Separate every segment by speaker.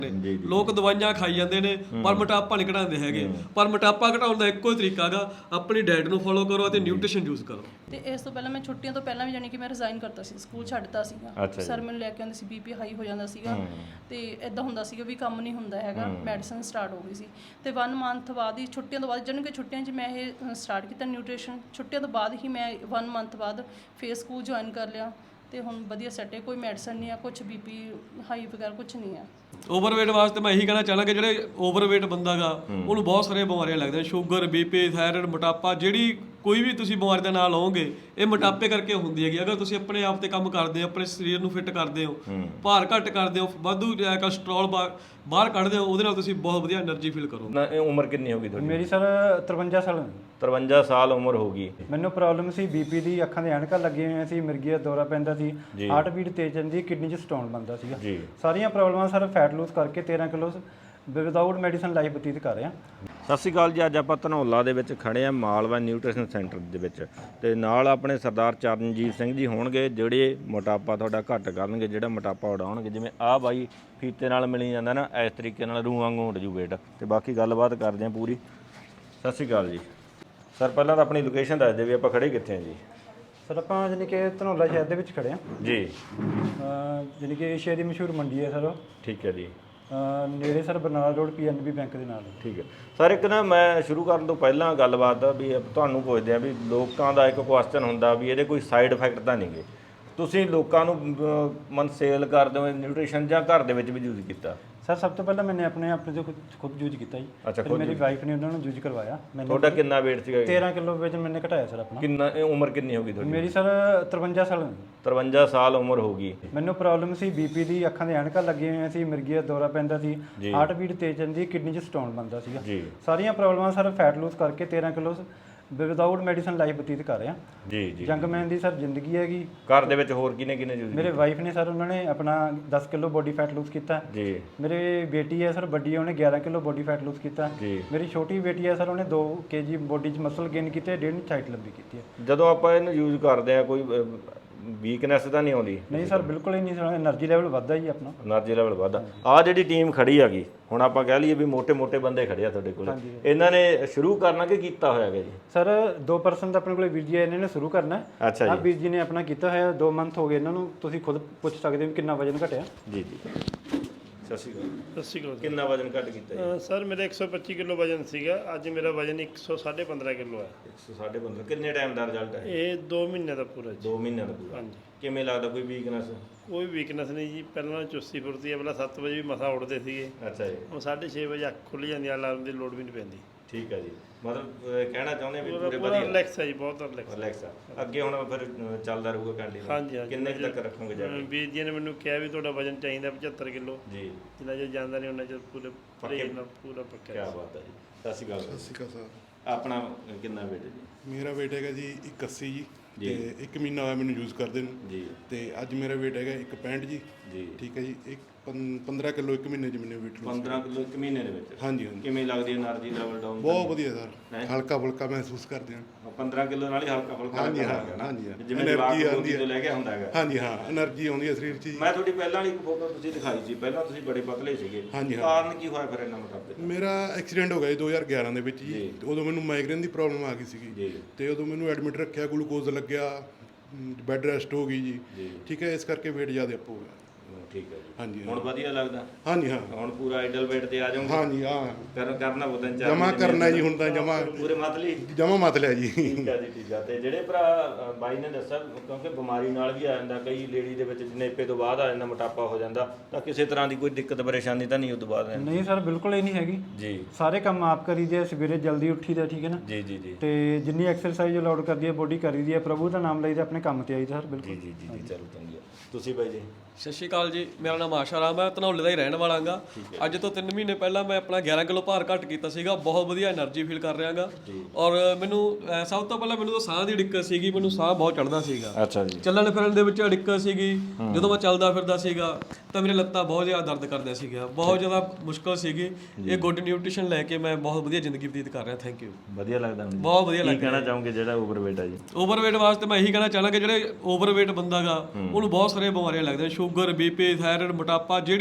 Speaker 1: ਜੀ ਜੀ
Speaker 2: ਲੋਕ ਦਵਾਈਆਂ ਖਾਈ ਜਾਂਦੇ ਨੇ ਪਰ ਮੋਟਾਪਾ ਨਹੀਂ ਘਟਾਉਂਦੇ ਹੈਗੇ। ਪਰ ਮੋਟਾਪਾ ਘਟਾਉਣ ਦਾ ਇੱਕੋ ਹੀ ਤਰੀਕਾ ਗਾ, ਆਪਣੀ ਡਾਈਟ ਨੂੰ ਫੋਲੋ ਕਰੋ ਅਤੇ ਨਿਊਟ੍ਰੀਸ਼ਨ ਯੂਜ਼ ਕਰੋ।
Speaker 3: ਤੇ ਇਸ ਤੋਂ ਪਹਿਲਾਂ ਮੈਂ ਛੁੱਟੀਆਂ ਤੋਂ ਪਹਿਲਾਂ ਵੀ ਜਾਣੀ ਕਿ ਮੈਂ ਰਿਜ਼ਾਈਨ ਕਰਤਾ ਸੀ, ਸਕੂਲ ਛੱਡਤਾ ਸੀਗਾ। ਸਰ ਮੈਨੂੰ ਲੈ ਕੇ ਆਉਂਦੇ ਸੀ, ਬੀਪੀ ਹਾਈ ਹੋ ਜਾਂਦਾ ਸੀਗਾ ਤੇ ਇਦਾਂ ਹੁੰਦਾ ਸੀਗਾ ਵੀ ਕੰਮ ਨਹੀਂ ਹੁੰਦਾ ਹੈਗਾ। ਮੈਡੀਸਨ ਸਟਾਰਟ ਹੋ ਗਈ ਸੀ ਤੇ 1 ਮੰਥ ਬਾਅਦ ਹੀ, ਛੁੱਟੀਆਂ ਤੋਂ ਬਾਅਦ, ਜਾਣੀ ਕਿ ਛੁੱਟੀਆਂ 'ਚ ਮੈਂ ਇਹ ਸਟਾਰਟ ਕੀਤਾ ਨਿਊਟ੍ਰੀਸ਼ਨ। ਛੁੱਟੀਆਂ ਤੋਂ ਬਾਅਦ ਹੀ ਮੈਂ 1 ਮੰਥ ਬਾਅਦ ਫੇਰ ਸਕੂਲ ਜੁਆਇਨ ਕਰ ਲਿਆ ਤੇ ਹੁਣ ਵਧੀਆ ਸੈੱਟ ਹੈ। ਕੋਈ ਮੈਡੀਸਨ ਨਹੀਂ ਆ, ਕੁਝ ਬੀਪੀ ਹਾਈ ਵਗੈਰਾ ਕੁਝ ਨਹੀਂ ਆ।
Speaker 2: ਓਵਰਵੇਟ ਵਾਸਤੇ ਮੈਂ ਇਹੀ ਕਹਿਣਾ ਚਾਹਾਂਗਾ, ਜਿਹੜੇ ਓਵਰਵੇਟ ਬੰਦਾ ਗਾ ਉਹਨੂੰ ਬਹੁਤ ਸਾਰੀਆਂ ਬਿਮਾਰੀਆਂ ਲੱਗਦੀਆਂ, ਸ਼ੂਗਰ, ਬੀਪੀ, ਥਾਇਰਾਇਡ, ਮੋਟਾਪਾ। ਜਿਹੜੀ ਕੋਈ ਵੀ ਤੁਸੀਂ ਬਿਮਾਰੀ ਦਾ ਨਾਂ ਲਓਗੇ ਇਹ ਮੋਟਾਪੇ ਕਰਕੇ ਹੁੰਦੀ ਹੈਗੀ। ਅਗਰ ਤੁਸੀਂ ਆਪਣੇ ਆਪ ਤੇ ਕੰਮ ਕਰਦੇ ਹੋ, ਆਪਣੇ ਸਰੀਰ ਨੂੰ ਫਿੱਟ ਕਰਦੇ ਹੋ, ਭਾਰ ਘੱਟ ਕਰਦੇ ਹੋ, ਵਾਧੂ ਕੋਲੇਸਟ੍ਰੋਲ ਬਾਹਰ ਕੱਢਦੇ ਹੋ, ਉਹਦੇ ਨਾਲ ਤੁਸੀਂ ਬਹੁਤ ਵਧੀਆ એનર્ਜੀ ਫੀਲ ਕਰੋਗੇ।
Speaker 1: ਨਾ ਇਹ ਉਮਰ ਕਿੰਨੀ ਹੋ ਗਈ ਤੁਹਾਡੀ?
Speaker 4: ਮੇਰੀ ਸਰ 53 ਸਾਲ
Speaker 1: 53 ਸਾਲ ਉਮਰ ਹੋ ਗਈ।
Speaker 4: ਮੈਨੂੰ ਪ੍ਰੋਬਲਮ ਸੀ ਬੀਪੀ ਦੀ, ਅੱਖਾਂ ਦੇ ਐਨਕਾਂ ਲੱਗੀਆਂ ਹੋਈਆਂ ਸੀ, ਮਿਰਗੀ ਦਾ ਦੌਰਾ ਪੈਂਦਾ ਸੀ, ਹਾਰਟ ਬੀਟ ਤੇਜ਼ ਜਾਂਦੀ, ਕਿਡਨੀ 'ਚ ਸਟੋਨ ਬਣਦਾ ਸੀਗਾ। ਸਾਰੀਆਂ ਪ੍ਰੋਬਲਮਾਂ ਸਰ ਫੈਟ ਲੂਜ਼ ਕਰਕੇ 13 ਕਿਲੋ ਵਿਦਆਊਟ ਮੈਡੀਸਨ ਲਾਈਫ ਬਤੀਤ ਕਰ ਰਿਹਾ।
Speaker 1: ਸਤਿ ਸ਼੍ਰੀ ਅਕਾਲ ਜੀ। ਅੱਜ ਆਪਾਂ ਧਨੌਲਾ ਦੇ ਵਿੱਚ ਖੜੇ ਆ, ਮਾਲਵਾ ਨਿਊਟ੍ਰੀਸ਼ਨ ਸੈਂਟਰ ਦੇ ਵਿੱਚ, ਤੇ ਨਾਲ ਆਪਣੇ ਸਰਦਾਰ ਚਰਨਜੀਤ ਸਿੰਘ ਜੀ ਹੋਣਗੇ, ਜਿਹੜੇ ਮੋਟਾਪਾ ਤੁਹਾਡਾ ਘੱਟ ਕਰਨਗੇ, ਜਿਹੜਾ ਮੋਟਾਪਾ ਉਡਾਉਣਗੇ। ਜਿਵੇਂ ਆਹ ਬਾਈ ਫੀਤੇ ਨਾਲ ਮਿਲੀ ਜਾਂਦਾ ਨਾ, ਇਸ ਤਰੀਕੇ ਨਾਲ ਰੂਹ ਵਾਂਗੂ ਉੱਡ ਜੂ ਵੇਟ। ਤੇ ਬਾਕੀ ਗੱਲਬਾਤ ਕਰਦੇ ਆ ਪੂਰੀ। ਸਤਿ ਸ਼੍ਰੀ ਅਕਾਲ ਜੀ ਸਰ। ਪਹਿਲਾਂ ਤਾਂ ਆਪਣੀ ਲੋਕੇਸ਼ਨ ਦੱਸ ਦਿਓ ਵੀ ਆਪਾਂ ਖੜੇ ਕਿੱਥੇ ਆ ਜੀ?
Speaker 4: ਸਰ ਆਪਾਂ ਜਾਣੀ ਕਿ ਧਨੌਲਾ ਸ਼ਹਿਰ ਦੇ ਵਿੱਚ ਖੜੇ ਹਾਂ
Speaker 1: ਜੀ।
Speaker 4: ਜਾਣੀ ਕਿ ਏਸ਼ੀਆ ਦੀ ਮਸ਼ਹੂਰ ਮੰਡੀ ਹੈ ਸਰ।
Speaker 1: ਠੀਕ ਹੈ ਜੀ।
Speaker 4: ਨੇੜੇ sir Barnala road PNB bank ਦੇ ਨਾਲ।
Speaker 1: ਠੀਕ ਹੈ ਸਰ। ਇੱਕ ਨਾ ਮੈਂ ਸ਼ੁਰੂ ਕਰਨ ਤੋਂ ਪਹਿਲਾਂ ਗੱਲਬਾਤ ਵੀ ਤੁਹਾਨੂੰ ਪੁੱਛਦੇ ਆ ਵੀ ਲੋਕਾਂ ਦਾ ਇੱਕ ਕੁਐਸਚਨ ਹੁੰਦਾ ਵੀ ਇਹਦੇ ਕੋਈ ਸਾਈਡ ਇਫੈਕਟ ਤਾਂ ਨਹੀਂ ਗੇ। ਤੁਸੀਂ ਲੋਕਾਂ ਨੂੰ ਸੇਲ ਕਰਦੇ ਹੋ ਨਿਊਟ੍ਰੀਸ਼ਨ ਜਾਂ ਘਰ ਦੇ ਵਿੱਚ ਵੀ ਯੂਜ਼ ਕੀਤਾ?
Speaker 4: ਸਰ ਸਭ ਤੋਂ ਪਹਿਲਾਂ ਮੈंने ਆਪਣੇ ਤੋਂ ਖੁਦ ਯੂਜ਼ ਕੀਤਾ ਜੀ।
Speaker 1: ਅੱਛਾ,
Speaker 4: ਫਿਰ ਮੇਰੀ ਵਾਈਫ ਨੇ ਉਹਨਾਂ ਨੂੰ ਯੂਜ਼ ਕਰਵਾਇਆ।
Speaker 1: ਤੁਹਾਡਾ ਕਿੰਨਾ weight ਸੀਗਾ?
Speaker 4: 13 ਕਿਲੋ ਵਜਨ ਮੈंने ਘਟਾਇਆ ਸਰ ਆਪਣਾ।
Speaker 1: ਕਿੰਨਾ ਉਮਰ ਕਿੰਨੀ ਹੋ ਗਈ ਤੁਹਾਡੀ?
Speaker 4: ਮੇਰੀ ਸਰ 53 ਸਾਲ
Speaker 1: 53 ਸਾਲ ਉਮਰ ਹੋ ਗਈ।
Speaker 4: ਮੈਨੂੰ ਪ੍ਰੋਬਲਮ ਸੀ ਬੀਪੀ ਦੀ, ਅੱਖਾਂ ਦੇ ਐਨਕਾਂ ਲੱਗੀਆਂ ਹੋਈਆਂ ਸੀ, ਮਿਰਗੀ ਦਾ ਦੌਰਾ ਪੈਂਦਾ ਸੀ, ਹਾਰਟ ਬੀਟ ਤੇਜ਼ ਜਾਂਦੀ, ਕਿਡਨੀ 'ਚ ਸਟੋਨ ਬਣਦਾ ਸੀਗਾ। ਸਾਰੀਆਂ ਪ੍ਰੋਬਲਮਾਂ ਸਰ ਫੈਟ ਲੂਜ਼ ਕਰਕੇ 13 ਕਿਲੋ ਵਿਦਆਊਟ ਮੈਡੀਸਨ ਲਾਈਫ ਬਤੀਤ ਕਰ ਰਿਹਾ।
Speaker 1: ਜੀ ਜੀ।
Speaker 4: ਜੰਗਮੈਨ ਦੀ ਸਰ ਜ਼ਿੰਦਗੀ ਹੈਗੀ।
Speaker 1: ਘਰ ਦੇ ਵਿੱਚ ਹੋਰ ਕਿਨੇ ਯੂਜ਼?
Speaker 4: ਮੇਰੇ ਵਾਈਫ ਨੇ ਸਰ, ਉਹਨਾਂ ਨੇ ਆਪਣਾ 10 ਕਿਲੋ ਬੋਡੀ ਫੈਟ ਲੂਜ਼ ਕੀਤਾ
Speaker 1: ਜੀ।
Speaker 4: ਮੇਰੇ ਬੇਟੀ ਹੈ ਸਰ, ਵੱਡੀ, ਉਹਨੇ 11 ਕਿਲੋ ਬੋਡੀ ਫੈਟ ਲੂਜ਼ ਕੀਤਾ
Speaker 1: ਜੀ।
Speaker 4: ਮੇਰੀ ਛੋਟੀ ਬੇਟੀ ਹੈ ਸਰ, ਉਹਨੇ 2 kg ਬੋਡੀ 'ਚ ਮਸਲ ਗੇਨ ਕੀਤੇ, 1.5 ਇੰਚ ਹਾਈਟ ਲੰਬੀ ਕੀਤੀ ਹੈ।
Speaker 1: ਜਦੋਂ ਆਪਾਂ ਇਹਨੂੰ ਯੂਜ਼ ਕਰਦੇ ਆ ਕੋਈ ਵੀਕਨੈਸ ਤਾਂ ਨਹੀਂ ਆਉਂਦੀ?
Speaker 4: ਨਹੀਂ ਸਰ, ਬਿਲਕੁਲ ਹੀ ਨਹੀਂ ਸਰ। એનર્ਜੀ ਲੈਵਲ ਵੱਧਦਾ ਜੀ ਆਪਣਾ।
Speaker 1: એનર્ਜੀ ਲੈਵਲ ਵੱਧਦਾ। ਆਹ ਜਿਹੜੀ ਟੀਮ ਖੜੀ ਹੈਗੀ ਹੁਣ, ਆਪਾਂ ਕਹਿ ਲਈਏ ਵੀ ਮੋٹے ਬੰਦੇ ਖੜੇ ਆ ਤੁਹਾਡੇ ਕੋਲ, ਇਹਨਾਂ ਨੇ ਸ਼ੁਰੂ ਕਰਨਾ ਕਿ ਕੀਤਾ ਹੋਇਆ ਹੈ ਜੀ?
Speaker 4: ਸਰ 2% ਆਪਣੇ ਕੋਲ ਵੀਰ ਜੀ ਇਹਨਾਂ ਨੇ ਸ਼ੁਰੂ ਕਰਨਾ।
Speaker 1: ਅੱਛਾ ਜੀ।
Speaker 4: ਵੀਰ ਜੀ ਨੇ ਆਪਣਾ ਕੀਤਾ ਹੋਇਆ, 2 ਮੰਥ ਹੋ ਗਏ ਇਹਨਾਂ ਨੂੰ। ਤੁਸੀਂ ਖੁਦ ਪੁੱਛ ਸਕਦੇ ਹੋ ਕਿੰਨਾ ਵਜਨ ਘਟਿਆ।
Speaker 1: ਜੀ ਜੀ। ਸਤਿ ਸ਼੍ਰੀ ਅਕਾਲ।
Speaker 5: ਸਤਿ ਸ਼੍ਰੀ ਅਕਾਲ।
Speaker 1: ਕਿੰਨਾ ਵਜਨ ਘਟ ਕੀਤਾ ਜੀ?
Speaker 5: ਸਰ ਮੇਰਾ 125 ਕਿਲੋ ਵਜਨ ਸੀਗਾ, ਅੱਜ ਮੇਰਾ ਵਜਨ 115.5 ਕਿਲੋ ਹੈ।
Speaker 1: 115.5। ਕਿੰਨੇ ਟਾਈਮ ਦਾ ਰਿਜ਼ਲਟ ਹੈ
Speaker 5: ਇਹ 2 ਮਹੀਨੇ ਦਾ ਪੂਰਾ ਜੀ।
Speaker 1: 2 ਮਹੀਨਿਆਂ ਦਾ ਪੂਰਾ।
Speaker 5: ਹਾਂਜੀ।
Speaker 1: ਕਿਵੇਂ ਲੱਗਦਾ, ਕੋਈ ਵੀਕਨੈਸ?
Speaker 5: ਕੋਈ ਵੀਕਨੈਸ ਨਹੀਂ ਜੀ। ਪਹਿਲਾਂ ਚੁਸਤੀ ਫੁਰਤੀ ਹੈ, ਪਹਿਲਾਂ 7 ਵਜੇ ਵੀ ਮਸਾ ਉੱਠਦੇ ਸੀਗੇ।
Speaker 1: ਅੱਛਾ ਜੀ।
Speaker 5: ਹੁਣ 6:30 ਵਜੇ ਅੱਖ ਖੁੱਲ੍ਹ ਜਾਂਦੀ, ਅਲਾਰਮ ਦੀ ਲੋੜ ਵੀ ਨਹੀਂ ਪੈਂਦੀ।
Speaker 1: ਠੀਕ ਹੈ ਜੀ। ਮਤਲਬ ਕਹਿਣਾ ਚਾਹੁੰਦੇ ਵੀ ਪੂਰੇ
Speaker 5: ਪੂਰਾ
Speaker 1: ਵਧੀਆ
Speaker 5: ਰਿਲੈਕਸ ਹੈ ਜੀ, ਬਹੁਤ ਰਿਲੈਕਸ।
Speaker 1: ਰਿਲੈਕਸ ਆ। ਅੱਗੇ ਹੁਣ ਫਿਰ ਚੱਲਦਾ ਰਹੂਗਾ ਕੰਟੀਨਿਊ?
Speaker 5: ਹਾਂਜੀ ਹਾਂਜੀ।
Speaker 1: ਕਿੰਨੇ ਕੁ ਤੱਕ ਰੱਖੋਗੇ ਜਾ ਕੇ?
Speaker 5: ਵੀਰ ਜੀ ਨੇ ਮੈਨੂੰ ਕਿਹਾ ਵੀ ਤੁਹਾਡਾ ਵਜਨ ਚਾਹੀਦਾ 75 ਕਿਲੋ।
Speaker 1: ਜੀ।
Speaker 5: ਜਿੰਨਾ ਚਿਰ ਜਾਂਦਾ ਨਹੀਂ ਉਹਨਾਂ ਚਿਰ ਪੂਰੇ ਪਰਹੇਜ਼ ਨਾਲ ਪੂਰਾ ਪੱਕਾ।
Speaker 1: ਕੀ ਬਾਤ ਹੈ ਜੀ। ਸਤਿ ਸ਼੍ਰੀ ਅਕਾਲ।
Speaker 6: ਸਤਿ ਸ਼੍ਰੀ ਅਕਾਲ ਸਰ।
Speaker 1: ਆਪਣਾ ਕਿੰਨਾ weight ਹੈ ਜੀ?
Speaker 6: ਮੇਰਾ weight ਹੈਗਾ ਜੀ 81 ਜੀ। ਤੇ 1 ਮਹੀਨਾ ਹੋਇਆ ਮੈਨੂੰ ਯੂਜ਼ ਕਰਦੇ ਨੂੰ
Speaker 1: ਜੀ।
Speaker 6: ਤੇ ਅੱਜ ਮੇਰਾ weight ਹੈਗਾ 165 ਜੀ।
Speaker 1: ਜੀ।
Speaker 6: ਠੀਕ ਹੈ ਜੀ। 15 ਕਿਲੋ 1 ਮਹੀਨੇ 'ਚ ਮੈंने weight loss
Speaker 1: 15 ਕਿਲੋ 1 ਮਹੀਨੇ ਦੇ ਵਿੱਚ?
Speaker 6: ਹਾਂਜੀ ਹਾਂਜੀ।
Speaker 1: ਕਿਵੇਂ ਲੱਗਦੀ ਹੈ એનર્ਜੀ ਲੈਵਲ ਡਾਊਨ?
Speaker 6: ਬਹੁਤ ਵਧੀਆ ਸਰ, ਹਲਕਾ ਫੁਲਕਾ ਮਹਿਸੂਸ ਕਰਦੇ ਹਾਂ।
Speaker 1: 15 ਕਿਲੋ ਨਾਲ ਹੀ ਹਲਕਾ ਫੁਲਕਾ
Speaker 6: ਹਾਂਜੀ ਹਾਂ,
Speaker 1: ਲੱਗਦਾ
Speaker 6: ਹਾਂਜੀ ਹਾਂ।
Speaker 1: ਜਿਵੇਂ
Speaker 6: એનર્ਜੀ ਆਉਂਦੀ
Speaker 1: ਤੋਂ ਲੈ ਕੇ ਹੁੰਦਾ ਹੈਗਾ।
Speaker 6: ਹਾਂਜੀ ਹਾਂ, એનર્ਜੀ ਆਉਂਦੀ ਹੈ ਸਰੀਰ 'ਚ ਜੀ।
Speaker 1: ਮੈਂ ਤੁਹਾਡੀ ਪਹਿਲਾਂ ਵਾਲੀ ਇੱਕ ਫੋਟੋ ਤੁਸੀਂ ਦਿਖਾਈ ਸੀ, ਪਹਿਲਾਂ ਤੁਸੀਂ ਬੜੇ ਪਤਲੇ ਸੀਗੇ।
Speaker 6: ਹਾਂਜੀ ਹਾਂ।
Speaker 1: ਕਾਰਨ ਕੀ ਹੋਇਆ ਫਿਰ ਇੰਨਾ ਮੋਟਾਪੇ ਦਾ?
Speaker 6: ਮੇਰਾ ਐਕਸੀਡੈਂਟ ਹੋ ਗਿਆ ਜੀ 2011 ਦੇ ਵਿੱਚ ਜੀ। ਤੇ ਉਦੋਂ ਮੈਨੂੰ ਮਾਈਗ੍ਰੇਨ ਦੀ ਪ੍ਰੋਬਲਮ ਆ ਗਈ ਸੀਗੀ
Speaker 1: ਜੀ।
Speaker 6: ਤੇ ਉਦੋਂ ਮੈਨੂੰ ਐਡਮਿਟ ਰੱਖਿਆ, ਗਲੂਕੋਜ਼ ਲੱਗਿਆ, ਬੈੱਡ ਰੈਸਟ ਹੋ ਗਈ ਜੀ। ਠੀਕ ਹੈ, ਇਸ ਕਰਕੇ weight ਜ਼ਿਆਦਾ ਅਪ ਹੋ ਗਿਆ।
Speaker 1: ਠੀਕ ਹੈ ਜੀ।
Speaker 6: ਹਾਂਜੀ
Speaker 1: ਹੁਣ ਵਧੀਆ ਲੱਗਦਾ?
Speaker 6: ਹਾਂਜੀ ਹਾਂ।
Speaker 1: ਹੁਣ ਪੂਰਾ ਆਈਡਲ weight ਤੇ ਆ ਜਾਓਗੇ?
Speaker 6: ਹਾਂਜੀ ਹਾਂ।
Speaker 1: ਕਰਨਾ ਬੁੱਧਨ ਚਾਹ
Speaker 6: ਜਮਾ ਕਰਨਾ ਜੀ, ਹੁਣ ਤਾਂ ਜਮਾ
Speaker 1: ਪੂਰੇ ਮਤਲੀ
Speaker 6: ਜਮਾ ਮਤ ਲਿਆ ਜੀ।
Speaker 1: ਠੀਕ ਹੈ ਜੀ। ਠੀਕ ਹੈ। ਤੇ ਜਿਹੜੇ ਭਰਾ ਬਾਈ ਨੇ ਦੱਸਿਆ, ਕਿਉਂਕਿ ਬਿਮਾਰੀ ਨਾਲ ਵੀ ਆ ਜਾਂਦਾ, ਕਈ ਲੇਡੀ ਦੇ ਵਿੱਚ ਜਨੇਪੇ ਤੋਂ ਬਾਅਦ ਆ ਜਾਂਦਾ ਮੋਟਾਪਾ ਹੋ ਜਾਂਦਾ, ਤਾਂ ਕਿਸੇ ਤਰ੍ਹਾਂ ਦੀ ਕੋਈ ਦਿੱਕਤ ਪਰੇਸ਼ਾਨੀ ਤਾਂ ਨਹੀਂ ਉਸ ਤੋਂ ਬਾਅਦ?
Speaker 4: ਨਹੀਂ ਸਰ, ਬਿਲਕੁਲ ਹੀ ਨਹੀਂ ਹੈਗੀ ਜੀ। ਸਾਰੇ ਕੰਮ ਆਪ ਕਰੀਦੇ ਆ, ਸਵੇਰੇ ਜਲਦੀ ਉੱਠੀਦਾ, ਠੀਕ ਹੈ ਨਾ
Speaker 1: ਜੀ ਜੀ ਜੀ।
Speaker 4: ਤੇ ਜਿੰਨੀ ਐਕਸਰਸਾਈਜ਼ ਅਲਾਉਡ ਕਰਦੀ ਹੈ ਬੋਡੀ ਕਰੀਦੀ ਹੈ, ਪ੍ਰਭੂ ਦਾ ਨਾਮ ਲਈਦਾ, ਆਪਣੇ ਕੰਮ ਤੇ ਆਈਦਾ ਸਰ। ਬਿਲਕੁਲ
Speaker 1: ਜੀ ਜੀ ਜੀ। ਚਲੋ ਚੰਗੀ ਆ। ਤੁਸੀਂ ਬਾਈ ਜੀ?
Speaker 2: ਸਤਿ ਸ਼੍ਰੀ ਅਕਾਲ ਜੀ। ਮੇਰਾ ਨਾਮ ਆਸ਼ਾ ਰਾਮ ਹੈ, ਧਨੌਲੇ ਦਾ ਹੀ ਰਹਿਣ ਵਾਲਾ ਗਾ। ਅੱਜ ਤੋਂ 3 ਮਹੀਨੇ ਪਹਿਲਾਂ ਮੈਂ ਆਪਣਾ 11 ਕਿਲੋ ਭਾਰ ਘੱਟ ਕੀਤਾ ਸੀਗਾ। ਬਹੁਤ ਵਧੀਆ એનર્ਜੀ ਫੀਲ ਕਰ ਰਿਹਾ ਗਾ। ਔਰ ਮੈਨੂੰ ਸਭ ਤੋਂ ਪਹਿਲਾਂ ਮੈਨੂੰ ਤਾਂ ਸਾਹ ਦੀ ਦਿੱਕਤ ਸੀਗੀ, ਮੈਨੂੰ ਸਾਹ ਬਹੁਤ ਚੜਦਾ ਸੀਗਾ।
Speaker 1: ਅੱਛਾ ਜੀ।
Speaker 2: ਚੱਲਣ ਫਿਰਨ ਦੇ ਵਿੱਚ ਦਿੱਕਤ ਸੀਗੀ। ਜਦੋਂ ਮੈਂ ਚੱਲਦਾ ਫਿਰਦਾ ਸੀਗਾ ਤਾਂ ਮੇਰੇ ਲੱਤਾਂ ਬਹੁਤ ਜ਼ਿਆਦਾ ਦਰਦ ਕਰਦੀਆਂ ਸੀਗੀਆਂ, ਬਹੁਤ ਜ਼ਿਆਦਾ ਮੁਸ਼ਕਲ ਸੀਗੀ। ਇਹ ਗੁੱਡ ਨਿਊਟ੍ਰੀਸ਼ਨ ਲੈ ਕੇ ਮੈਂ ਬਹੁਤ ਵਧੀਆ ਜ਼ਿੰਦਗੀ ਬਤੀਤ ਕਰ ਰਿਹਾ। Thank you.
Speaker 1: ਵਧੀਆ ਲੱਗਦਾ?
Speaker 2: ਬਹੁਤ ਵਧੀਆ ਲੱਗਦਾ।
Speaker 1: ਕੀ ਕਹਿਣਾ ਚਾਹੋਗੇ ਜਿਹੜਾ ਓਵਰਵੇਟ ਆ ਜੀ?
Speaker 2: ਓਵਰਵੇਟ ਵਾਸਤੇ ਮੈਂ ਇਹੀ ਕਹਿਣਾ ਚਾਹਾਂਗਾ, ਜਿਹੜੇ ਓਵਰਵੇਟ ਬੰਦਾ ਗਾ ਉਹਨੂੰ ਬਹੁਤ ਸਾਰੀਆਂ ਬਿਮਾਰੀਆਂ ਲੱਗਦੀਆਂ, ਸ਼ੂਗਰ, ਬੀਪੀ, ਥਾਇਰਾਇਡ, ਮੋਟਾਪਾ। ਜਿਹੜੀ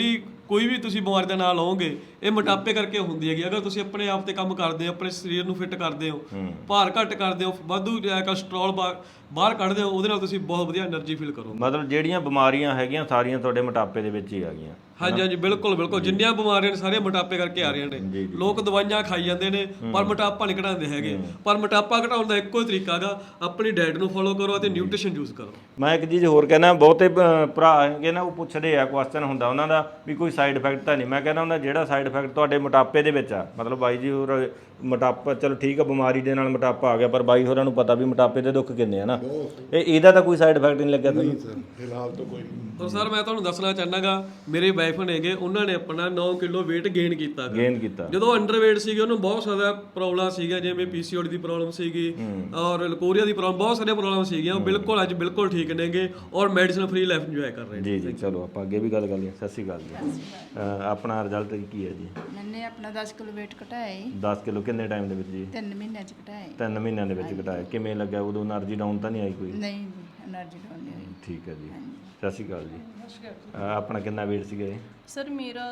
Speaker 2: ਕੋਈ ਵੀ ਤੁਸੀਂ ਬਿਮਾਰੀ ਦਾ ਨਾਂ ਲਓਗੇ ਇਹ ਮੋਟਾਪੇ ਕਰਕੇ ਹੁੰਦੀ ਹੈਗੀ। ਅਗਰ ਤੁਸੀਂ ਆਪਣੇ ਆਪ ਤੇ ਕੰਮ ਕਰਦੇ ਹੋ, ਆਪਣੇ ਸਰੀਰ ਨੂੰ ਫਿੱਟ ਕਰਦੇ ਹੋ, ਭਾਰ ਘੱਟ ਕਰਦੇ ਹੋ, ਵਾਧੂ ਕੋਲੇਸਟ੍ਰੋਲ ਬਾਹਰ ਕੱਢਦੇ ਹੋ, ਉਹਦੇ ਨਾਲ ਤੁਸੀਂ ਬਹੁਤ ਵਧੀਆ એનર્ਜੀ ਫੀਲ ਕਰੋਗੇ।
Speaker 1: ਮਤਲਬ ਜਿਹੜੀਆਂ ਬਿਮਾਰੀਆਂ ਹੈਗੀਆਂ ਸਾਰੀਆਂ ਤੁਹਾਡੇ ਮੋਟਾਪੇ ਦੇ ਵਿੱਚ ਹੀ ਆ ਗਈਆਂ।
Speaker 2: ਹਾਂਜੀ ਹਾਂਜੀ ਬਿਲਕੁਲ ਬਿਲਕੁਲ, ਜਿੰਨੀਆਂ ਬਿਮਾਰੀਆਂ ਨੇ ਸਾਰੀਆਂ ਮੋਟਾਪੇ ਕਰਕੇ ਆ ਰਹੀਆਂ ਨੇ। ਲੋਕ ਦਵਾਈਆਂ ਖਾਈ ਜਾਂਦੇ ਨੇ ਪਰ ਮੋਟਾਪਾ ਨਹੀਂ ਘਟਾਉਂਦੇ ਹੈਗੇ। ਪਰ ਮੋਟਾਪਾ ਘਟਾਉਣ ਦਾ ਇੱਕੋ ਹੀ ਤਰੀਕਾ ਹੈਗਾ, ਆਪਣੀ ਡਾਈਟ ਨੂੰ ਫੋਲੋ ਕਰੋ ਅਤੇ ਨਿਊਟ੍ਰੀਸ਼ਨ ਯੂਜ਼ ਕਰੋ।
Speaker 1: ਮੈਂ ਇੱਕ ਚੀਜ਼ ਹੋਰ ਕਹਿੰਦਾ, ਬਹੁਤੇ ਭਰਾ ਹੈਗੇ ਨਾ ਉਹ ਪੁੱਛਦੇ ਆ, ਕੁਐਸਚਨ ਹੁੰਦਾ ਉਹਨਾਂ ਦਾ ਵੀ ਕੋਈ ਸਾਈਡ ਇਫੈਕਟ ਤਾਂ ਨਹੀਂ। ਮੈਂ ਕਹਿੰਦਾ ਹੁੰਦਾ ਜਿਹੜਾ ਸਾਈਡ ਇਫੈਕਟ ਤੁਹਾਡੇ ਮੋਟਾਪੇ ਦੇ ਵਿੱਚ ਆ, ਮਤਲਬ ਬਾਈ ਜੀ ਹੋਰ ਮੋਟਾਪਾ ਚਲੋ ਠੀਕ ਆ, ਬਿਮਾਰੀ ਦੇ ਨਾਲ ਮੋਟਾਪਾ ਆ ਗਿਆ, ਪਰ ਬਾਈ ਹੋਰਾਂ ਨੂੰ ਪਤਾ ਵੀ ਮੋਟਾਪੇ ਦੇ ਦੁੱਖ ਕਿੰਨੇ ਆ ਨਾ, ਇਹਦਾ ਤਾਂ ਕੋਈ ਸਾਈਡ ਇਫੈਕਟ ਨਹੀਂ ਲੱਗਿਆ ਤੁਹਾਨੂੰ?
Speaker 6: ਸਰ ਫਿਲਹਾਲ ਤਾਂ ਕੋਈ ਨਹੀਂ।
Speaker 2: ਤਾਂ ਸਰ ਮੈਂ ਤੁਹਾਨੂੰ ਦੱਸਣਾ ਚਾਹੁੰਦਾਗਾ, ਮੇਰੇ ਵਾਈਫ ਨੇਗੇ, ਉਹਨਾਂ ਨੇ ਆਪਣਾ 9 ਕਿਲੋ weight ਗੇਨ ਕੀਤਾ। ਜਦੋਂ ਅੰਡਰਵੇਟ ਸੀਗੇ ਉਹਨੂੰ ਬਹੁਤ ਜ਼ਿਆਦਾ ਪ੍ਰੋਬਲਮ ਸੀਗੀਆਂ, ਜਿਵੇਂ ਪੀਸੀਓਡੀ ਦੀ ਪ੍ਰੋਬਲਮ ਸੀਗੀ ਔਰ ਲਕੋਰੀਆ ਦੀ ਪ੍ਰੋਬਲਮ, ਬਹੁਤ ਸਾਰੀਆਂ ਪ੍ਰੋਬਲਮ ਸੀਗੀਆਂ। ਉਹ ਬਿਲਕੁਲ ਅੱਜ ਬਿਲਕੁਲ ਠੀਕ ਨੇਗੇ ਔਰ ਮੈਡੀਸਨ ਫ੍ਰੀ ਲਾਈਫ ਇੰਜੋਏ ਕਰ ਰਹੇ ਨੇ।
Speaker 1: ਜੀ ਚਲੋ ਆਪਾਂ ਅੱਗੇ ਵੀ ਗੱਲ ਕਰ ਲਈਏ। ਸਤਿ ਸ਼੍ਰੀ ਅਕਾਲ ਜੀ। ਆਪਣਾ ਰਿਜ਼ਲਟ ਕੀ ਹੈ ਜੀ?
Speaker 7: ਮੈਨੇ ਆਪਣਾ 10 ਕਿਲੋ weight ਘਟਾਇਆ ਜੀ।
Speaker 1: 10 ਕਿਲੋ ਕਿੰਨੇ ਟਾਈਮ ਦੇ ਵਿੱਚ ਜੀ?
Speaker 7: 3 ਮਹੀਨਿਆਂ ਚ ਘਟਾਇਆ ਜੀ।
Speaker 1: 3 ਮਹੀਨਿਆਂ ਦੇ ਵਿੱਚ ਘਟਾਇਆ। ਕਿਵੇਂ ਲੱਗਿਆ ਉਦੋਂ? એનર્ਜੀ ਡਾਊਨ ਤਾਂ ਨਹੀਂ ਆਈ ਕੋਈ?
Speaker 7: ਨਹੀਂ ਜੀ, એનર્ਜੀ ਡਾਊਨ ਨਹੀਂ ਹੋਈ।
Speaker 1: ਠੀਕ ਹੈ ਜੀ। ਸਤਿ ਸ਼੍ਰੀ ਅਕਾਲ ਜੀ। ਆਪਣਾ ਕਿੰਨਾ weight ਸੀਗਾ ਇਹ?
Speaker 3: ਸਰ ਮੇਰਾ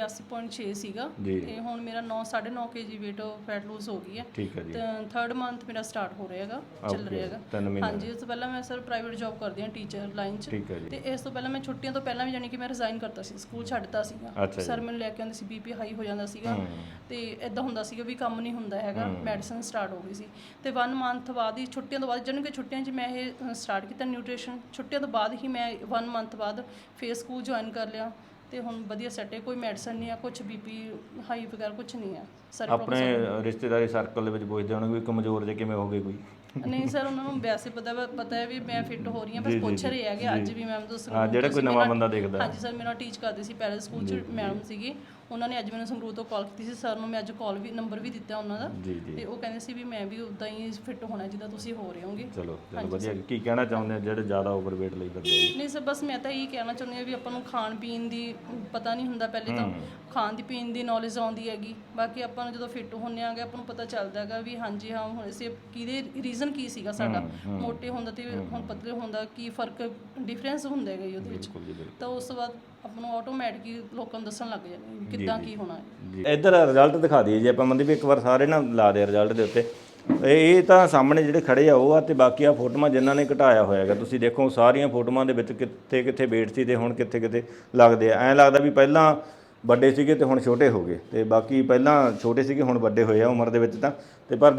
Speaker 3: 82.6 ਸੀਗਾ ਤੇ ਹੁਣ ਮੇਰਾ 9.5 kg weight ਫੈਟ ਲੂਜ਼ ਹੋ ਗਈ ਹੈ।
Speaker 1: ਠੀਕ ਹੈ ਜੀ।
Speaker 3: ਤੇ 3rd ਮੰਥ ਮੇਰਾ ਸਟਾਰਟ ਹੋ ਰਿਹਾ ਹੈਗਾ, ਚੱਲ ਰਿਹਾ ਹੈਗਾ।
Speaker 1: 3 ਮਹੀਨੇ।
Speaker 3: ਹਾਂਜੀ, ਉਸ ਤੋਂ ਪਹਿਲਾਂ ਮੈਂ ਸਰ ਪ੍ਰਾਈਵੇਟ ਜੌਬ ਕਰਦੀ ਹਾਂ, ਟੀਚਰ ਲਾਈਨ 'ਚ।
Speaker 1: ਠੀਕ ਹੈ ਜੀ।
Speaker 3: ਤੇ ਇਸ ਤੋਂ ਪਹਿਲਾਂ ਮੈਂ ਛੁੱਟੀਆਂ ਤੋਂ ਪਹਿਲਾਂ ਵੀ ਜਾਨੀ ਕਿ ਮੈਂ ਰਿਜ਼ਾਈਨ ਕਰਤਾ ਸੀ, ਸਕੂਲ ਛੱਡਤਾ ਸੀਗਾ। ਸਰ ਮੈਨੂੰ ਲੈ ਕੇ ਆਉਂਦੇ ਸੀ, ਬੀਪੀ ਹਾਈ ਹੋ ਜਾਂਦਾ ਸੀਗਾ ਤੇ ਇਦਾਂ ਹੁੰਦਾ ਸੀਗਾ ਵੀ ਕੰਮ ਨਹੀਂ ਹੁੰਦਾ ਹੈਗਾ, ਮੈਡੀਸਨ ਸਟਾਰਟ ਹੋ ਗਈ ਸੀ। ਤੇ 1 ਮੰਥ ਬਾਅਦ ਹੀ, ਛੁੱਟੀਆਂ ਤੋਂ ਬਾਅਦ, ਜਾਨੀ ਕਿ ਛੁੱਟੀਆਂ 'ਚ ਮੈਂ ਇਹ ਸਟਾਰਟ ਕੀਤਾ ਨਿਊਟ੍ਰੀਸ਼ਨ। ਛੁੱਟੀਆਂ ਤੋਂ ਬਾਅਦ ਹੀ ਮੈਂ 1 ਮੰਥ ਬਾਅਦ ਫੇਰ ਸਕੂਲ ਜੁਆਇਨ ਕਰ ਲਿਆ ਤੇ ਹੁਣ ਵਧੀਆ ਸੈਟ ਹੈ। ਕੋਈ ਮੈਡੀਸਨ ਨਹੀਂ ਆ, ਕੁਝ ਬੀਪੀ ਹਾਈ ਵਗੈਰਾ ਕੁਝ ਨਹੀਂ ਆ। ਸਰ
Speaker 1: ਆਪਣੇ ਰਿਸ਼ਤੇਦਾਰੀ ਸਰਕਲ ਦੇ ਵਿੱਚ ਪੁੱਛਦੇ ਹੋਣਗੇ ਵੀ ਕਮਜ਼ੋਰ ਜੇ ਕਿਵੇਂ ਹੋ ਗਏ ਕੋਈ?
Speaker 3: ਨਹੀਂ ਸਰ, ਉਹਨਾਂ ਨੂੰ ਵੈਸੇ ਪਤਾ ਹੈ ਵੀ ਮੈਂ ਫਿੱਟ ਹੋ ਰਹੀ ਹਾਂ, ਬਸ ਪੁੱਛ ਰਹੇ ਹੈਗੇ। ਅੱਜ ਵੀ ਮੈਮ ਤੋਂ ਸੰਗਰੂਰ,
Speaker 1: ਜਿਹੜਾ ਕੋਈ ਨਵਾਂ ਬੰਦਾ ਦੇਖਦਾ।
Speaker 3: ਹਾਂਜੀ ਸਰ, ਮੇਰਾ ਟੀਚ ਕਰਦੇ ਸੀ ਪੈਰਲ ਸਕੂਲ 'ਚ ਮੈਡਮ ਸੀਗੀ, ਉਹਨਾਂ ਨੇ ਅੱਜ ਮੈਨੂੰ ਸੰਗਰੂਰ ਤੋਂ ਕਾਲ ਕੀਤੀ ਸੀ। ਸਰ ਨੂੰ ਮੈਂ ਅੱਜ ਕਾਲ ਵੀ ਨੰਬਰ ਵੀ ਦਿੱਤਾ ਉਹਨਾਂ ਦਾ ਤੇ ਉਹ ਕਹਿੰਦੇ ਸੀ ਵੀ ਮੈਂ ਵੀ ਉਦਾਂ ਹੀ ਫਿੱਟ ਹੋਣਾ ਜਿੱਦਾਂ ਤੁਸੀਂ ਹੋ ਰਹੇ ਹੋਗੇ।
Speaker 1: ਚਲੋ ਵਧੀਆ। ਕੀ ਕਹਿਣਾ ਚਾਹੁੰਦੇ ਆ ਜਿਹੜੇ ਜ਼ਿਆਦਾ ਓਵਰਵੇਟ ਲਈ ਕਰਦੇ ਆ?
Speaker 3: ਨਹੀਂ ਸਰ, ਬਸ ਮੈਂ ਤਾਂ ਇਹੀ ਕਹਿਣਾ ਚਾਹੁੰਦੀ ਹਾਂ ਵੀ ਆਪਾਂ ਨੂੰ ਖਾਣ ਪੀਣ ਦੀ ਪਤਾ ਨਹੀਂ ਹੁੰਦਾ, ਪਹਿਲੇ ਤਾਂ ਖਾਣ ਦੀ ਪੀਣ ਦੀ ਨੌਲੇਜ ਆਉਂਦੀ ਹੈਗੀ। ਬਾਕੀ ਆਪਾਂ ਨੂੰ ਜਦੋਂ ਫਿੱਟ ਹੁੰਦੇ ਆਂਗੇ ਆਪਾਂ ਨੂੰ ਪਤਾ ਚੱਲਦਾ ਹੈਗਾ ਵੀ ਹਾਂਜੀ ਹਾਂ ਹੁਣ ਅਸੀਂ ਕਿਹਦੇ ਰੀਜ਼ਨ ਕੀ ਸੀਗਾ ਸਾਡਾ ਮੋਟੇ ਹੁੰਦਾ ਤੇ ਹੁਣ ਪਤਲੇ ਹੁੰਦਾ, ਕੀ ਫਰਕ ਡਿਫਰੈਂਸ ਹੁੰਦਾ ਹੈਗਾ ਉਹਦੇ ਵਿੱਚ। ਤਾਂ ਉਸ ਤੋਂ ਬਾਅਦ ਆਪਾਂ ਨੂੰ ਆਟੋਮੈਟਿਕਲੀ ਲੋਕਾਂ ਨੂੰ ਦੱਸਣ ਲੱਗ ਜਾਂਦੇ ਵੀ ਕਿੱਦਾਂ ਕੀ ਹੋਣਾ ਹੈ।
Speaker 1: ਇੱਧਰ ਰਿਜ਼ਲਟ ਦਿਖਾ ਦਈਏ ਜੇ ਆਪਾਂ ਮੰਦੀ ਵੀ ਇੱਕ ਵਾਰ ਸਾਰੇ ਨਾ ਲਾ ਦੇ ਰਿਜ਼ਲਟ ਦੇ ਉੱਤੇ। ਇਹ ਤਾਂ ਸਾਹਮਣੇ ਜਿਹੜੇ ਖੜੇ ਆ ਉਹ ਆ ਤੇ ਬਾਕੀ ਆ ਫੋਟੋਆਂ ਜਿਨ੍ਹਾਂ ਨੇ ਘਟਾਇਆ ਹੋਇਆ ਹੈਗਾ। ਤੁਸੀਂ ਦੇਖੋ ਸਾਰੀਆਂ ਫੋਟੋਆਂ ਦੇ ਵਿੱਚ ਕਿੱਥੇ ਕਿੱਥੇ weight ਸੀ ਤੇ ਹੁਣ ਕਿੱਥੇ ਕਿੱਥੇ ਲੱਗਦੇ ਆ। ਐਂ ਲੱਗਦਾ ਵੀ ਪਹਿਲਾਂ ਵੱਡੇ ਸੀਗੇ ਤੇ ਹੁਣ ਛੋਟੇ ਹੋ ਗਏ, ਤੇ ਬਾਕੀ ਪਹਿਲਾਂ ਛੋਟੇ ਸੀਗੇ ਹੁਣ ਵੱਡੇ ਹੋਏ ਆ ਉਮਰ ਦੇ ਵਿੱਚ ਤਾਂ। ਤੇ ਪਰ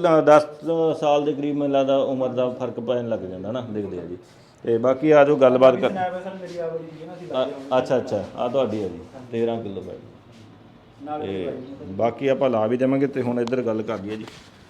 Speaker 1: 10 ਸਾਲ ਦੇ ਕਰੀਬ ਮੈਨੂੰ ਲੱਗਦਾ ਉਮਰ ਦਾ ਫਰਕ ਪੈਣ ਲੱਗ ਜਾਂਦਾ ਨਾ, ਦੇਖਦੇ ਆ ਜੀ। ਤੇ ਬਾਕੀ ਆ ਜੋ ਗੱਲਬਾਤ ਕਰ। ਅੱਛਾ ਆ ਤੁਹਾਡੀ ਆ ਜੀ 13 ਕਿਲੋ ਬੈਡ। ਤੇ ਬਾਕੀ ਆਪਾਂ ਲਾ ਵੀ ਦੇਵਾਂਗੇ। ਤੇ ਹੁਣ ਇੱਧਰ ਗੱਲ ਕਰ ਲਈਏ ਜੀ।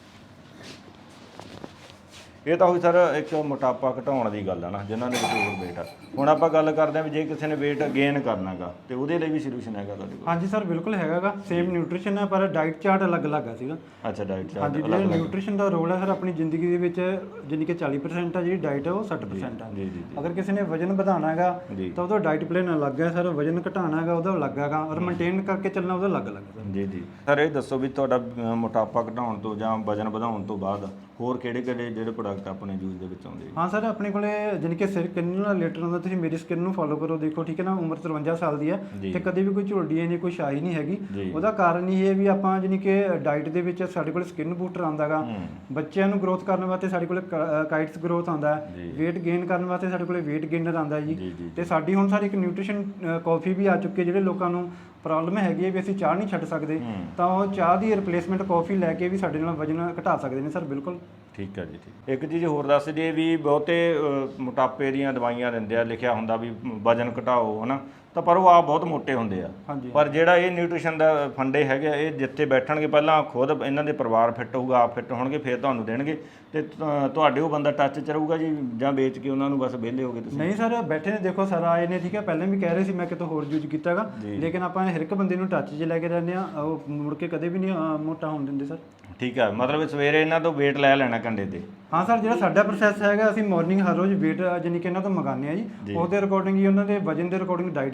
Speaker 1: ਇਹ ਤਾਂ ਹੋਈ ਸਰ ਇੱਕ ਮੋਟਾਪਾ ਘਟਾਉਣ ਦੀ ਗੱਲ ਆ ਨਾ, ਜਿਨ੍ਹਾਂ ਦੇ ਵਿੱਚ ਓਵਰਵੇਟ ਆ। ਹੁਣ ਆਪਾਂ ਗੱਲ ਕਰਦੇ ਹਾਂ ਵੀ ਜੇ ਕਿਸੇ ਨੇ weight ਗੇਨ ਕਰਨਾਗਾ ਤੇ ਉਹਦੇ ਲਈ ਵੀ ਸੋਲੂਸ਼ਨ ਹੈਗਾ ਤੁਹਾਡੇ ਕੋਲ?
Speaker 4: ਹਾਂਜੀ ਸਰ, ਬਿਲਕੁਲ ਹੈਗਾਗਾ। ਸੇਮ ਨਿਊਟ੍ਰੀਸ਼ਨ ਹੈ ਪਰ ਡਾਈਟ ਚਾਰਟ ਅਲੱਗ-ਅਲੱਗ ਆ ਸੀਗਾ।
Speaker 1: ਅੱਛਾ, ਡਾਈਟ ਚਾਰਟ।
Speaker 4: ਹਾਂਜੀ, ਜਿਹੜਾ ਨਿਊਟ੍ਰੀਸ਼ਨ ਦਾ ਰੋਲ ਹੈ ਸਰ ਆਪਣੀ ਜ਼ਿੰਦਗੀ ਦੇ ਵਿੱਚ, ਜਿੰਨੀ ਕਿ 40% ਆ ਜਿਹੜੀ ਡਾਈਟ ਹੈ ਉਹ 60% ਆ। ਅਗਰ ਕਿਸੇ ਨੇ ਵਜਨ ਵਧਾਉਣਾ ਹੈਗਾ ਤਾਂ ਉਹਦਾ ਡਾਈਟ ਪਲਾਨ ਅਲੱਗ ਹੈ ਸਰ, ਵਜਨ ਘਟਾਉਣਾ ਹੈਗਾ ਉਹਦਾ ਅਲੱਗ ਹੈਗਾ, ਔਰ ਮੇਨਟੇਨ ਕਰਕੇ ਚੱਲਣਾ ਉਹਦਾ ਅਲੱਗ-ਅਲੱਗ ਹੈ।
Speaker 1: ਜੀ ਸਰ, ਇਹ ਦੱਸੋ ਵੀ ਤੁਹਾਡਾ ਮੋਟਾਪਾ ਘਟਾਉਣ ਤੋਂ ਜਾਂ ਵਜਨ ਵਧਾਉਣ ਤੋਂ ਬਾਅਦ ਹੋਰ ਕਿਹੜੇ ਜਿਹੜੇ ਪ੍ਰੋਡਕਟ ਆਪਣੇ ਯੂਜ਼ ਦੇ ਵਿੱਚ ਆਉਂਦੇ?
Speaker 4: ਹਾਂ ਸਰ, ਆਪਣੇ ਕੋਲੇ ਜਾਣੀ ਕਿ ਸਕਿਨ ਨਾਲ ਰਿਲੇਟਡ ਹੁੰਦਾ। ਤੁਸੀਂ ਮੇਰੀ ਸਕਿਨ ਨੂੰ ਫੋਲੋ ਕਰੋ, ਦੇਖੋ ਠੀਕ ਹੈ ਨਾ। ਉਮਰ 53 ਸਾਲ ਦੀ ਹੈ ਤੇ ਕਦੇ ਵੀ ਕੋਈ ਝੁਰਡੀ ਨਹੀਂ, ਕੋਈ ਸ਼ਾਈ ਨਹੀਂ ਹੈਗੀ। ਉਹਦਾ ਕਾਰਨ ਇਹ ਹੈ ਵੀ ਆਪਾਂ ਜਾਣੀ ਕਿ ਡਾਈਟ ਦੇ ਵਿੱਚ ਸਾਡੇ ਕੋਲ ਸਕਿਨ ਬੂਸਟਰ ਆਉਂਦਾ ਗਾ, ਬੱਚਿਆਂ ਨੂੰ ਗਰੋਥ ਕਰਨ ਵਾਸਤੇ ਸਾਡੇ ਕੋਲ ਕਾਈਟਸ ਗਰੋਥ ਆਉਂਦਾ ਹੈ, weight gain ਕਰਨ ਵਾਸਤੇ ਸਾਡੇ ਕੋਲ weight gainer ਆਉਂਦਾ ਜੀ। ਤੇ ਸਾਡੀ ਹੁਣ ਸਾਰੀ ਇੱਕ ਨਿਊਟ੍ਰੀਸ਼ਨ ਕਾਫੀ ਵੀ ਆ ਚੁੱਕੀ ਹੈ। ਜਿਹੜੇ ਲੋਕਾਂ ਨੂੰ ਪ੍ਰੋਬਲਮ ਹੈਗੀ ਹੈ ਵੀ ਅਸੀਂ ਚਾਹ ਨਹੀਂ ਛੱਡ ਸਕਦੇ ਤਾਂ ਉਹ ਚਾਹ ਦੀ ਰਿਪਲੇਸਮੈਂਟ ਕਾਫੀ ਲੈ ਕੇ ਵੀ ਸਾਡੇ ਨਾਲ ਵਜਨ ਘਟਾ ਸਕਦੇ ਨੇ ਸਰ। ਬਿਲਕੁਲ
Speaker 1: ਠੀਕ ਹੈ ਜੀ। ਇੱਕ ਚੀਜ਼ ਹੋਰ ਦੱਸ ਦਈਏ ਵੀ ਬਹੁਤੇ ਮੋਟਾਪੇ ਦੀਆਂ ਦਵਾਈਆਂ ਦਿੰਦੇ ਆ, ਲਿਖਿਆ ਹੁੰਦਾ ਵੀ ਵਜਨ ਘਟਾਓ, ਹਨਾ, ਤਾਂ ਪਰ ਉਹ ਆਪ ਬਹੁਤ ਮੋਟੇ ਹੁੰਦੇ ਆ। ਪਰ ਜਿਹੜਾ ਇਹ ਨਿਊਟ੍ਰੀਸ਼ਨ ਦਾ ਫੰਡੇ ਹੈਗੇ, ਇਹ ਜਿੱਥੇ ਬੈਠਣਗੇ ਪਹਿਲਾਂ ਖੁਦ ਇਹਨਾਂ ਦੇ ਪਰਿਵਾਰ ਫਿੱਟ ਹੋਊਗਾ, ਆਪ ਫਿੱਟ ਹੋਣਗੇ, ਫਿਰ ਤੁਹਾਨੂੰ ਦੇਣਗੇ ਤੇ ਤੁਹਾਡੇ ਉਹ ਬੰਦਾ ਟੱਚ 'ਚ ਰਹੂਗਾ ਜੀ, ਜਾਂ ਵੇਚ ਕੇ ਉਹਨਾਂ ਨੂੰ ਬਸ ਵਿਹਲੇ ਹੋ ਗਏ ਤੁਸੀਂ? ਨਹੀਂ
Speaker 4: ਸਰ, ਬੈਠੇ ਨੇ, ਦੇਖੋ ਸਰ ਆਏ ਨੇ, ਠੀਕ ਹੈ। ਪਹਿਲਾਂ ਵੀ ਕਹਿ ਰਹੇ ਸੀ ਮੈਂ ਕਿਤੋਂ ਹੋਰ ਯੂਜ਼ ਕੀਤਾਗਾ, ਲੇਕਿਨ ਆਪਾਂ ਹਰ ਇੱਕ ਬੰਦੇ ਨੂੰ ਟੱਚ 'ਚ ਲੈ ਕੇ ਰਹਿੰਦੇ ਆ, ਉਹ ਮੁੜ ਕੇ ਕਦੇ ਵੀ ਨਹੀਂ ਮੋਟਾ ਹੋਣ ਦਿੰਦੇ ਸਰ।
Speaker 1: ਠੀਕ ਹੈ, ਮਤਲਬ ਸਵੇਰੇ ਇਹਨਾਂ ਤੋਂ weight ਲੈ ਲੈਣਾ ਕੰਡੇ ਤੇ?
Speaker 4: ਹਾਂ ਸਰ, ਜਿਹੜਾ ਸਾਡਾ ਪ੍ਰੋਸੈਸ ਹੈਗਾ, ਅਸੀਂ ਮਾਰਨਿੰਗ ਹਰ ਰੋਜ਼ weight ਜਾਨੀ ਕਿ ਇਹਨਾਂ ਤੋਂ ਮੰਗਾਉਂਦੇ ਆ ਜੀ। ਉਹਦੇ ਅਕੋਰਡਿੰਗ ਹੀ ਉਹਨਾਂ ਦੇ ਵਜਨ ਦੇ ਅਕੋਰਡਿੰਗ ਡਾਈਟ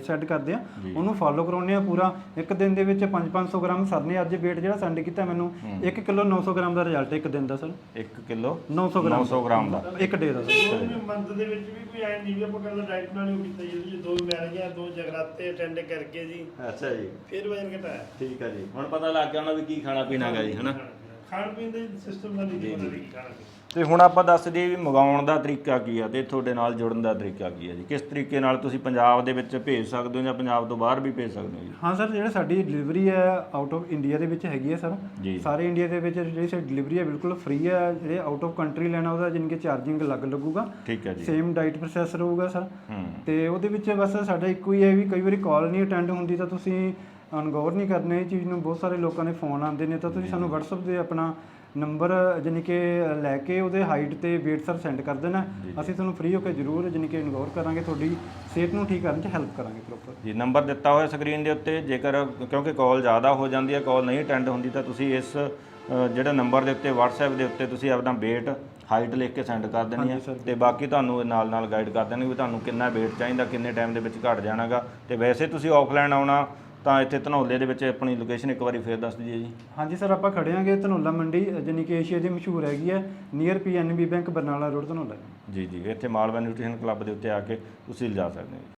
Speaker 4: ਸੈੱਟ ਕਰਦੇ ਆ ਉਹਨੂੰ ਫੋਲੋ ਕਰਾਉਂਦੇ ਆ ਪੂਰਾ। ਇੱਕ ਦਿਨ ਦੇ ਵਿੱਚ 500 ਗ੍ਰਾਮ ਸਰ ਨੇ ਅੱਜ weight ਜਿਹੜਾ ਸੈਂਡ ਕੀਤਾ ਮੈਨੂੰ 1 ਕਿਲੋ 900 ਗ੍ਰਾਮ ਦਾ ਰਿਜ਼ਲਟ ਇੱਕ ਦਿਨ ਦਾ ਸਰ।
Speaker 1: 1 ਕਿਲੋ
Speaker 4: 900
Speaker 1: ਗ੍ਰਾਮ ਦਾ
Speaker 4: ਇੱਕ ਡੇ ਦਾ ਸਰ।
Speaker 5: ਮੰਥ ਦੇ ਵਿੱਚ ਵੀ ਕੋਈ ਐ ਨਹੀਂ ਵੀ ਆਪਾਂ ਕਹਿੰਦਾ ਡਾਈਟ ਨਾਲ ਹੀ ਕੀਤਾ ਜੀ, 2 ਮੈਰਿਜਾਂ 2 ਜਗਰਾਤੇ ਅਟੈਂਡ ਕਰਕੇ ਜੀ
Speaker 1: ਅੱਛਾ ਜੀ,
Speaker 5: ਫਿਰ ਵਜਨ ਘਟਾਇਆ।
Speaker 1: ਠੀਕ ਹੈ ਜੀ। ਹੁਣ ਪਤਾ ਲੱਗ ਗਿਆ ਉਹਨਾਂ ਵੀ ਕੀ ਖਾਣਾ ਪੀਣਾ ਗਾ ਜੀ, ਹਨਾ।
Speaker 5: ਖਾਣ ਪੀਣ ਦੇ ਸਿਸਟਮ ਦਾ ਨਹੀਂ ਪਤਾ ਕੀ ਖਾਣਾ।
Speaker 1: ਤੇ ਹੁਣ ਆਪਾਂ ਦੱਸ ਦਈਏ ਵੀ ਮੰਗਾਉਣ ਦਾ ਤਰੀਕਾ ਕੀ ਆ ਤੇ ਤੁਹਾਡੇ ਨਾਲ ਜੁੜਨ ਦਾ ਤਰੀਕਾ ਕੀ ਆ ਜੀ? ਕਿਸ ਤਰੀਕੇ ਨਾਲ ਤੁਸੀਂ ਪੰਜਾਬ ਦੇ ਵਿੱਚ ਭੇਜ ਸਕਦੇ ਹੋ ਜਾਂ ਪੰਜਾਬ ਤੋਂ ਬਾਹਰ ਵੀ ਭੇਜ ਸਕਦੇ ਹੋ ਜੀ?
Speaker 4: ਹਾਂ ਸਰ, ਜਿਹੜਾ ਸਾਡੀ ਡਿਲੀਵਰੀ ਹੈ ਆਊਟ ਆਫ ਇੰਡੀਆ ਦੇ ਵਿੱਚ ਹੈਗੀ ਹੈ ਸਰ। ਸਾਰੇ ਇੰਡੀਆ ਦੇ ਵਿੱਚ ਜਿਹੜੀ ਸਾਡੀ ਡਿਲੀਵਰੀ ਹੈ ਬਿਲਕੁਲ ਫ੍ਰੀ ਹੈ। ਜਿਹੜੇ ਆਊਟ ਆਫ ਕੰਟਰੀ ਲੈਣਾ ਉਹਦਾ ਜਾਣੀ ਕਿ ਚਾਰਜਿੰਗ ਅਲੱਗ ਲੱਗੂਗਾ।
Speaker 1: ਠੀਕ ਹੈ ਜੀ।
Speaker 4: ਸੇਮ ਡਾਈਟ ਪ੍ਰੋਸੈਸ ਰਹੂਗਾ ਸਰ। ਤੇ ਉਹਦੇ ਵਿੱਚ ਬਸ ਸਾਡਾ ਇੱਕੋ ਹੀ ਹੈ ਵੀ ਕਈ ਵਾਰੀ ਕਾਲ ਨਹੀਂ ਅਟੈਂਡ ਹੁੰਦੀ ਤਾਂ ਤੁਸੀਂ ਅਨਗੌਰ ਨਹੀਂ ਕਰਨੇ ਇਹ ਚੀਜ਼ ਨੂੰ। ਬਹੁਤ ਸਾਰੇ ਲੋਕਾਂ ਦੇ ਫੋਨ ਆਉਂਦੇ ਨੇ ਤਾਂ ਤੁਸੀਂ ਸਾਨੂੰ WhatsApp 'ਤੇ ਆਪਣਾ ਨੰਬਰ ਜਾਣੀ ਕਿ ਲੈ ਕੇ ਉਹਦੇ ਹਾਈਟ ਤੇ weight ਸਰ ਸੈਂਡ ਕਰ ਦੇਣਾ। ਅਸੀਂ ਤੁਹਾਨੂੰ ਫ੍ਰੀ ਹੋ ਕੇ ਜ਼ਰੂਰ ਜਾਣੀ ਕਿ ਇਨਗੋਰ ਕਰਾਂਗੇ, ਤੁਹਾਡੀ ਸਿਹਤ ਨੂੰ ਠੀਕ ਕਰਨ 'ਚ ਹੈਲਪ ਕਰਾਂਗੇ ਪ੍ਰੋਪਰ
Speaker 1: ਜੀ। ਨੰਬਰ ਦਿੱਤਾ ਹੋਇਆ ਸਕਰੀਨ ਦੇ ਉੱਤੇ। ਜੇਕਰ ਕਿਉਂਕਿ ਕਾਲ ਜ਼ਿਆਦਾ ਹੋ ਜਾਂਦੀ ਹੈ, ਕਾਲ ਨਹੀਂ ਅਟੈਂਡ ਹੁੰਦੀ ਤਾਂ ਤੁਸੀਂ ਇਸ ਜਿਹੜਾ ਨੰਬਰ ਦੇ ਉੱਤੇ WhatsApp ਦੇ ਉੱਤੇ ਤੁਸੀਂ ਆਪਣਾ weight ਹਾਈਟ ਲਿਖ ਕੇ ਸੈਂਡ ਕਰ ਦੇਣੀ ਹੈ ਤੇ ਬਾਕੀ ਤੁਹਾਨੂੰ ਨਾਲ ਗਾਈਡ ਕਰ ਦੇਣਗੇ ਵੀ ਤੁਹਾਨੂੰ ਕਿੰਨਾ weight ਚਾਹੀਦਾ, ਕਿੰਨੇ ਟਾਈਮ ਦੇ ਵਿੱਚ ਘਟ ਜਾਣਾਗਾ। ਤੇ ਵੈਸੇ ਤੁਸੀਂ ਆਫਲਾਈਨ ਆਉਣਾ ਤਾਂ ਇੱਥੇ ਧਨੌਲੇ ਦੇ ਵਿੱਚ ਆਪਣੀ ਲੋਕੇਸ਼ਨ ਇੱਕ ਵਾਰੀ ਫੇਰ ਦੱਸ ਦਈਏ ਜੀ।
Speaker 4: ਹਾਂਜੀ ਸਰ, ਆਪਾਂ ਖੜੇ ਆਂਗੇ ਧਨੌਲਾ ਮੰਡੀ, ਜਾਣੀ ਕਿ ਏਸ਼ੀਆ ਦੀ ਮਸ਼ਹੂਰ ਹੈਗੀ ਹੈ, near PNB bank Barnala road Dhanaula.
Speaker 1: ਜੀ ਜੀ, ਇੱਥੇ ਮਾਲਵਾ ਨਿਊਟ੍ਰੀਸ਼ਨ ਕਲੱਬ ਦੇ ਉੱਤੇ ਆ ਕੇ ਤੁਸੀਂ ਲਿਜਾ ਸਕਦੇ ਹੋ।